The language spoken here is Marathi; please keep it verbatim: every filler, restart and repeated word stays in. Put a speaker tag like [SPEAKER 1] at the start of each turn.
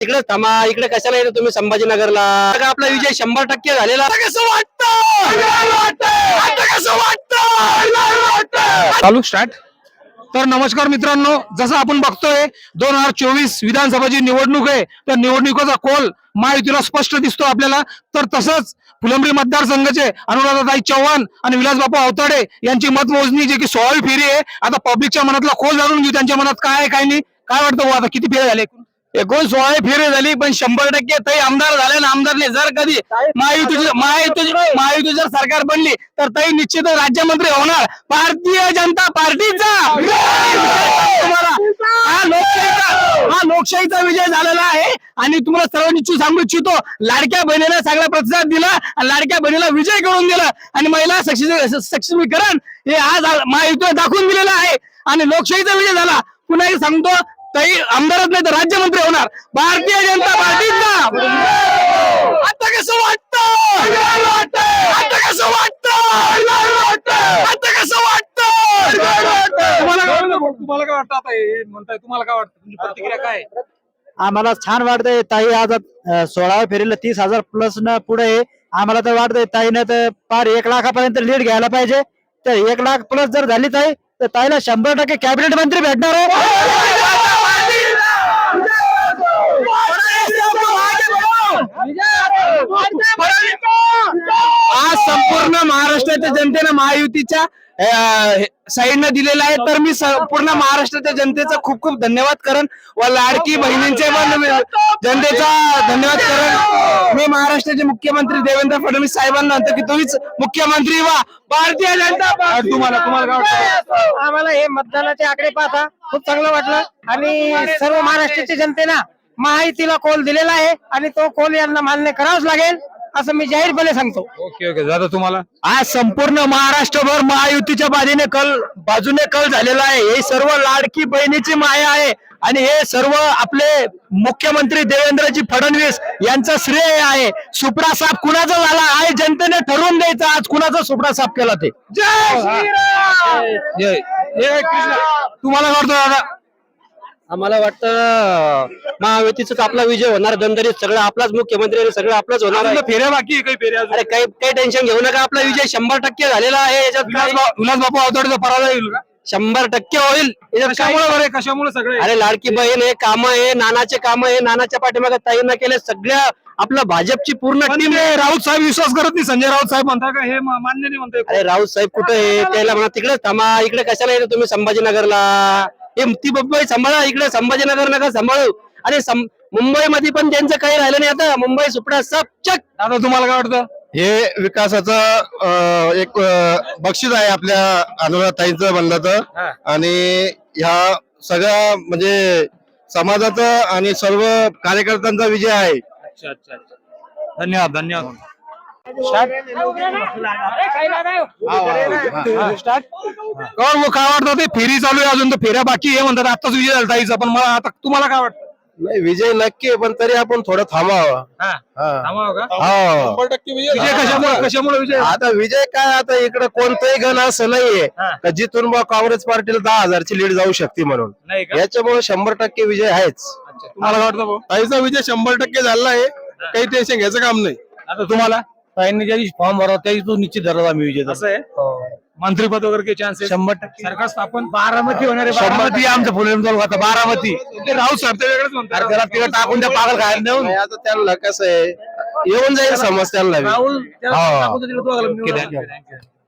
[SPEAKER 1] तिकडे थांबा, इकडे कशाला येतो तुम्ही संभाजीनगरला? आपला विजय शंभर टक्के झालेला. कसं वाटतं? कसं वाटतं?
[SPEAKER 2] चालू स्टार्ट. तर नमस्कार मित्रांनो, जसं आपण बघतोय दोन हजार चोवीस विधानसभाची निवडणूक आहे. तर निवडणुकीचा कौल महायुतीला स्पष्ट दिसतो आपल्याला. तर तसंच फुलंब्री मतदारसंघाचे अनुराधाताई चव्हाण आणि विलासबापू अवताडे यांची मतमोजणी जी की सोळावी फेरी आहे. आता पब्लिकच्या मनातला कौल जाणून घेऊ, त्यांच्या मनात काय आहे काय नाही. काय वाटतं भाऊ, आता किती फेरे झाले?
[SPEAKER 1] एकूण सोळा फेरी झाली, पण शंभर टक्के ताई आमदार झाले ना. आमदारने जर कधी महायुतीची महायुतीची महायुती जर सरकार बनली तर ताई निश्चित राज्यमंत्री होणार भारतीय जनता पार्टीचा. तुम्हाला हा लोकशाहीचा हा लोकशाहीचा विजय झालेला आहे. आणि तुम्हाला सर्व निश्चित सांगू इच्छितो, लाडक्या बहिणीला सगळा प्रतिसाद दिला, लाडक्या बहिणीला विजय करून दिला आणि महिला सक्षमीकरण हे आज महायुतीने दाखवून दिलेलं आहे. आणि लोकशाहीचा विजय झाला. पुन्हा सांगतो, ताई आमदारच नाही तर राज्यमंत्री होणार भारतीय जनता पार्टीचा. आता कसं वाटतं? आता कसं वाटतं? आता कसं वाटतं?
[SPEAKER 2] तुम्हाला काय वाटतं? तुम्हाला काय वाटतं? आता हे म्हणताय, तुम्हाला काय वाटतं? तुमची प्रतिक्रिया काय आहे?
[SPEAKER 3] आम्हाला छान वाटतंय. ताई आज सोळाव्या फेरीला तीस हजार प्लस न पुढे आहे. आम्हाला तर वाटतंय ताईनं तर पार एक लाखापर्यंत लीड घ्यायला पाहिजे. तर एक लाख प्लस जर झाली ताई तर ताईला शंभर टक्के कॅबिनेट मंत्री भेटणार आहे.
[SPEAKER 1] आज संपूर्ण महाराष्ट्राच्या जनतेनं महायुतीच्या साईडनं दिलेला आहे. तर मी पूर्ण महाराष्ट्राच्या जनतेचा खूप खूप धन्यवाद करेन व लाडकी बहिणींचे पण जनतेचा धन्यवाद करेन. मी महाराष्ट्राचे मुख्यमंत्री देवेंद्र फडणवीस साहेबांना म्हणतो की तुम्हीच मुख्यमंत्री व्हा भारतीय जनता पार्टी.
[SPEAKER 2] तुम्हाला तुम्हाला काय वाटतं?
[SPEAKER 3] आम्हाला हे मतदानाचे आकडे पाहता खूप चांगलं वाटलं आणि सर्व महाराष्ट्राच्या जनतेनं महायुतीला कौल दिलेला आहे आणि तो कौल यांना मान्य करावाच लागेल असं मी जाहीरपणे सांगतो.
[SPEAKER 2] ओके ओके दादा, तुम्हाला?
[SPEAKER 1] आज संपूर्ण महाराष्ट्रभर महायुतीच्या बाजूने कल बाजूने कल झालेला आहे. हे सर्व लाडकी बहिणीची माया आहे आणि हे सर्व आपले मुख्यमंत्री देवेंद्रजी फडणवीस यांचा श्रेय आहे. सुपडा साफ कुणाचा झाला आहे जनतेने ठरवून द्यायचं आज कुणाचा सुपडा साफ केला ते.
[SPEAKER 2] जय श्रीराम. जय जय कृष्ण. तुम्हाला काय वाटतं दादा?
[SPEAKER 1] आम्हाला वाटतं महायुतीचाच आपला विजय होणार. दंदरीत सगळं आपलाच मुख्यमंत्री आणि सगळं आपलाच होणार आहे.
[SPEAKER 2] फेऱ्या बाकी आहे, काही फेऱ्या अजून?
[SPEAKER 1] अरे काही काही टेन्शन घेऊ नका, आपला विजय शंभर टक्के झालेला आहे. याच्यात काही-
[SPEAKER 2] विलासबापू अवताडेचा पराजय होईल का?
[SPEAKER 1] शंभर टक्के होईल. याच्यात काही-
[SPEAKER 2] कशामुळे बरे कशामुळे सगळे?
[SPEAKER 1] अरे लाडकी बहीण आहे, काम आहे, नानाचे काम आहे, नानाच्या पाठीमागे ताईंना केले सगळ्या आपलं भाजपची पूर्ण
[SPEAKER 2] पण
[SPEAKER 1] टीम.
[SPEAKER 2] ते राऊत साहेब विश्वास करत नाही. संजय राऊत साहेब म्हणता का हे मा- मान्य नाही म्हणताय?
[SPEAKER 1] अरे राऊत साहेब कुठे आहे? त्याला म्हणा तिकडे थांबा, इकडे कशाला येतो तुम्ही संभाजीनगरला? हे ती मुंबई सांभाळा, इकडे संभाजीनगर नका सांभाळू. आणि मुंबईमध्ये पण त्यांचं काही राहिलं नाही. आता मुंबई सुपडा सब चक.
[SPEAKER 2] आता तुम्हाला काय वाटतं?
[SPEAKER 4] हे विकासाचं एक बक्षीस आहे आपल्या अनुराधाताईंचं म्हणलं तर. आणि ह्या सगळ्या म्हणजे समाजाचं आणि सर्व कार्यकर्त्यांचा विजय आहे.
[SPEAKER 2] अच्छा अच्छा अच्छा, धन्यवाद धन्यवाद. काय वाटतं? ते फेरी चालू आहे अजून, तर फेऱ्या बाकी आहे म्हणतात. आताच विजय झाला ताईचा, पण मला आता तुम्हाला काय वाटतं?
[SPEAKER 4] नाही, विजय नक्की आहे, पण तरी आपण थोडं थांबावं.
[SPEAKER 2] हा,
[SPEAKER 4] हा.
[SPEAKER 2] थांबावं का?
[SPEAKER 4] हो.
[SPEAKER 2] विजय कशामुळे कशामुळे विजय?
[SPEAKER 4] आता विजय काय, आता इकडे कोणतंही गण असं नाहीये का जिथून बा काँग्रेस पार्टीला दहा हजारची लीड जाऊ शकते म्हणून.
[SPEAKER 2] नाही का?
[SPEAKER 4] याच्यामुळे शंभर टक्के विजय आहेच.
[SPEAKER 2] अच्छा, तुम्हाला काय वाटतं भाऊ?
[SPEAKER 4] ताईचा विजय शंभर टक्के झाला आहे, काही टेन्शन घ्यायचं काम नाही.
[SPEAKER 2] आता तुम्हाला
[SPEAKER 3] ताईंनी ज्या दिवशी फॉर्म भरला त्या दिवशी तो निश्चित धरला आम्ही विजय.
[SPEAKER 2] असं आहे? मंत्रीपद वगैरे काही चान्सेस?
[SPEAKER 3] शंभर टक्के
[SPEAKER 2] सरकार स्थापन
[SPEAKER 3] बारामती होणार आहे.
[SPEAKER 2] बारामती आमचं फुलेम तालुका बारामती. ते राऊत साहेब ते वेगळंच म्हणतात.
[SPEAKER 4] त्याला तिकडे टाकून त्या पागल खायला नेऊन आता त्यांना कसं आहे, येऊन जाईल समज त्यांना बी.
[SPEAKER 3] राहुल
[SPEAKER 4] हा.
[SPEAKER 2] Okay, thank you.